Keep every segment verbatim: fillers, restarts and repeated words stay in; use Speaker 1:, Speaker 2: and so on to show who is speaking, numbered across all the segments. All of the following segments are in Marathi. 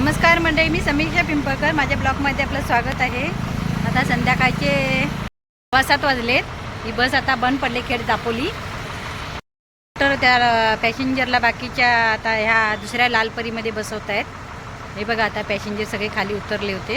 Speaker 1: नमस्कार मंडळी, मी समीक्षा पिंपळकर. माझ्या ब्लॉगमध्ये आपलं स्वागत आहे. आता संध्याकाळचे सव्वा सात वाजलेत. ही बस आता बंद पडली खेड दापोली. तर त्या पॅसेंजरला बाकीच्या आता ह्या दुसऱ्या लालपरीमध्ये बसवत आहेत. हे बघा, आता पॅसेंजर सगळे खाली उतरले होते.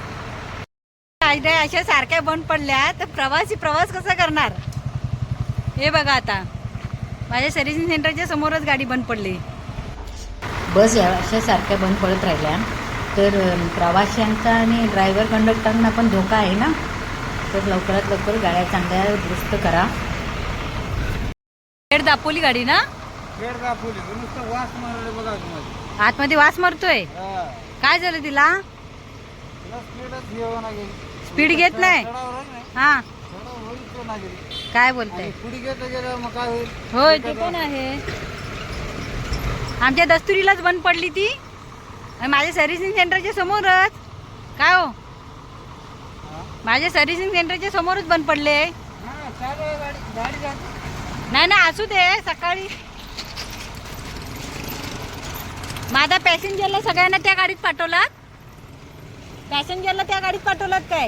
Speaker 1: अशा सारख्या बंद पडल्या तर प्रवासी प्रवास कसा करणार? हे बघा, आता माझ्या सर्व्हिसिंग सेंटरच्या समोरच गाडी बंद पडली. बस या अशा सारख्या बंद पडत राहिल्या तर प्रवाशांचा आणि ड्रायव्हर कंडक्टरना पण धोका आहे ना. तर लवकरात लवकर गाड्या चांगल्या दुरुस्त करा. खेड दापोली गाडी ना?
Speaker 2: खेड दापोली. नुसतं वास मारले बघा तुम्हाला.
Speaker 1: आतमध्ये वास मारतोय. काय झालं तिला? स्पीड घेत नाही. हा, काय बोलताय?
Speaker 2: पुढे घेत गेलं मग काय होईल?
Speaker 1: होय, ते पण आहे. आमच्या दस्तुरीलाच बंद पडली ती. माझ्या सर्व्हिसिंग सेंटरच्या समोरच. काय हो, माझ्या सर्व्हिसिंग सेंटरच्या समोरच बंद पडले. नाही नाही, असू दे. सकाळी माझ्या पॅसेंजरला सगळ्यांना त्या गाडीत पाठवलात. पॅसेंजरला त्या गाडीत पाठवलात काय?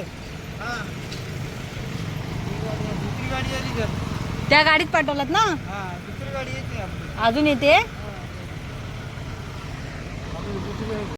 Speaker 1: त्या गाडीत पाठवलात ना?
Speaker 2: दुसरी गाडी येते
Speaker 1: अजून येते.